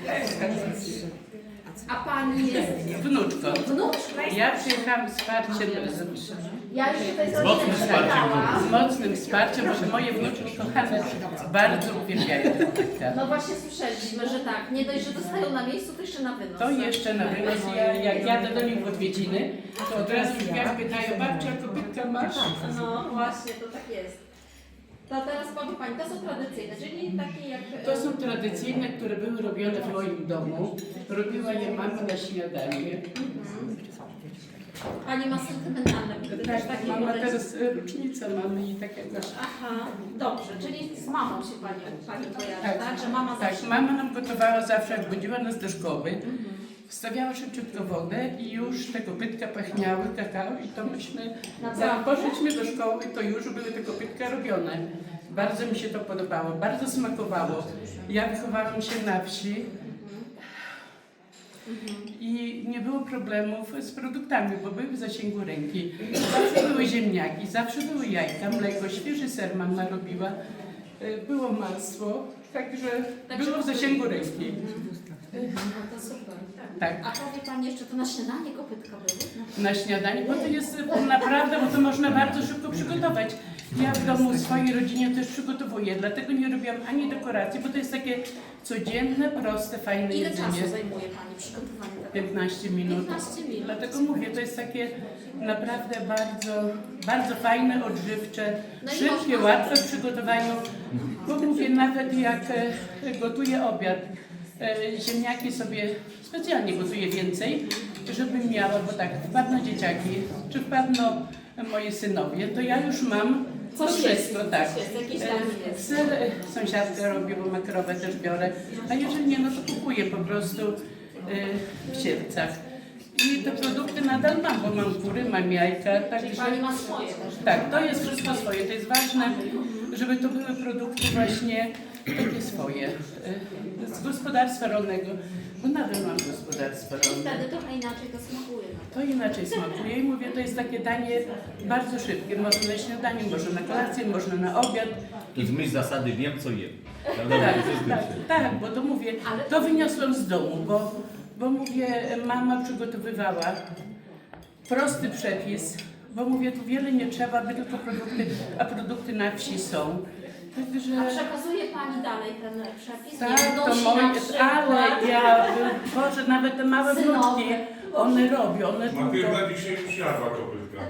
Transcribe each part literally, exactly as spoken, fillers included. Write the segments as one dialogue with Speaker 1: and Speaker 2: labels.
Speaker 1: A pani jest
Speaker 2: Wnuczką.
Speaker 1: wnuczką?
Speaker 2: Ja przyjechałam z wsparciem, z,
Speaker 1: Ja już tutaj
Speaker 3: Z mocnym wsparciem.
Speaker 2: z mocnym wsparciem, bo moje wnuczki kochane bardzo uwielbiają tę pytkę.
Speaker 1: No właśnie słyszeliśmy, że tak. Nie dość, że dostają na miejscu, to jeszcze na wynos.
Speaker 2: To jeszcze na wynos. Ja, jak jadę do nich w odwiedziny, to od razu drzwiach pytają, babcia, kopytka masz?
Speaker 1: No właśnie, to tak jest. To teraz powie pani, to są tradycyjne, czyli takie jak...
Speaker 2: To są tradycyjne, które były robione w moim domu. Robiła je mama na śniadanie.
Speaker 1: Pani ma sentymentalne, też
Speaker 2: Tak,
Speaker 1: takie
Speaker 2: mama
Speaker 1: podejście.
Speaker 2: teraz e, rocznicę mamy i takiego.
Speaker 1: Aha, dobrze, czyli z mamą się pani, pani kojarzy, tak.
Speaker 2: Tak.
Speaker 1: Że mama
Speaker 2: Tak,
Speaker 1: zawsze...
Speaker 2: mama nam gotowała zawsze, jak budziła nas do szkoły. Wstawiała szybciutko wodę i już te kopytka pachniały kakao i to myśmy, jak
Speaker 1: Naprawdę?
Speaker 2: poszliśmy do szkoły, to już były te kopytka robione. Bardzo mi się to podobało, bardzo smakowało. Ja wychowałam się na wsi i nie było problemów z produktami, bo były w zasięgu ręki. Zawsze były ziemniaki, zawsze były jajka, mleko, świeży ser mama robiła, było masło, także
Speaker 1: Także
Speaker 2: było w zasięgu ręki.
Speaker 1: No to super.
Speaker 2: Tak.
Speaker 1: A powie pani jeszcze, to na śniadanie kopytka były?
Speaker 2: Na śniadanie, bo to jest naprawdę, bo to można bardzo szybko przygotować. Ja w domu w swojej rodzinie też przygotowuję, dlatego nie robiłam ani dekoracji, bo to jest takie codzienne, proste, fajne
Speaker 1: Ile
Speaker 2: jedzenie.
Speaker 1: czasu zajmuje pani przygotowanie tego?
Speaker 2: piętnaście minut.
Speaker 1: piętnaście minut.
Speaker 2: Dlatego mówię, to jest takie naprawdę bardzo, bardzo fajne, odżywcze,
Speaker 1: No i
Speaker 2: szybkie,
Speaker 1: można
Speaker 2: łatwe w przygotowaniu. Bo mówię, nawet jak e, gotuję obiad, e, ziemniaki sobie specjalnie gotuję więcej, żeby miała, bo tak, wpadną dzieciaki, czy wpadną moi synowie, to ja już mam
Speaker 1: Coś
Speaker 2: to
Speaker 1: jest,
Speaker 2: wszystko, tak.
Speaker 1: coś jest, jakiś tam
Speaker 2: E,
Speaker 1: jest.
Speaker 2: Ser e, sąsiadka robi, bo makrowę też biorę, a jeżeli nie, no to kupuję po prostu e, w Sierpcach. I te produkty nadal mam, bo mam kury, mam jajka,
Speaker 1: Czyli
Speaker 2: także...
Speaker 1: pani ma swoje też.
Speaker 2: Tak, to jest wszystko swoje. To jest ważne, żeby to były produkty właśnie takie swoje, e, z gospodarstwa rolnego, bo nadal mam gospodarstwo rolne.
Speaker 1: Wtedy trochę inaczej to smakuje.
Speaker 2: To inaczej smakuje i mówię, to jest takie danie bardzo szybkie. Można na śniadanie, można na kolację, można na obiad.
Speaker 3: To jest myśl zasady, wiem co jem. Prawda?
Speaker 2: Tak,
Speaker 3: To jest
Speaker 2: tak,
Speaker 3: pierwsze.
Speaker 2: tak, bo to mówię, to wyniosłam z domu, bo, bo mówię, mama przygotowywała prosty przepis, bo mówię, tu wiele nie trzeba, by tylko produkty, a produkty na wsi są. Także...
Speaker 1: A przekazuje pani dalej ten przepis?
Speaker 2: Tak,
Speaker 1: Nie
Speaker 2: to
Speaker 1: wnosi
Speaker 2: moje,
Speaker 1: na przykład...
Speaker 2: ale ja, Boże, nawet te małe
Speaker 1: Synowe.
Speaker 2: wnuczki, one robią, one tylko,
Speaker 4: Matylda dzisiaj już jadła kopytka.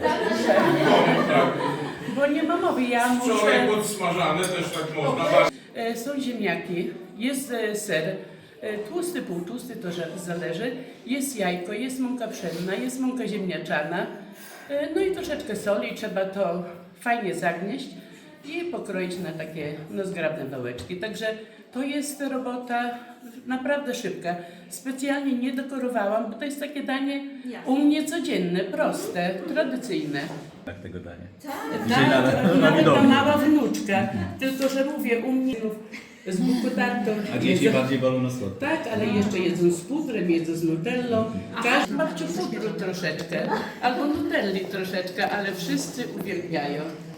Speaker 1: Tak,
Speaker 2: bo nie ma mowy, ja
Speaker 4: Wczoraj
Speaker 2: muszę,
Speaker 4: podsmażane też tak można.
Speaker 2: e, są ziemniaki, jest e, ser, e, tłusty, półtłusty, to że- zależy, jest jajko, jest mąka pszenna, jest mąka ziemniaczana, e, no i troszeczkę soli, trzeba to fajnie zagnieść i pokroić na takie no, zgrabne dołeczki. Także to jest robota naprawdę szybka. Specjalnie nie dekorowałam, bo to jest takie danie u mnie codzienne, proste, tradycyjne.
Speaker 3: Tak tego dania.
Speaker 2: Tak,
Speaker 3: na-
Speaker 2: nawet
Speaker 3: na
Speaker 2: ta
Speaker 3: domu.
Speaker 2: mała wnuczka, tylko że mówię, u mnie z buku tarto.
Speaker 3: A dzieci bardziej wolą na słodko.
Speaker 2: Tak, ale jeszcze jedzą z pudrem, jedzą z nutellą. Każdy ma pudru troszeczkę, albo nutelli troszeczkę, ale wszyscy uwielbiają.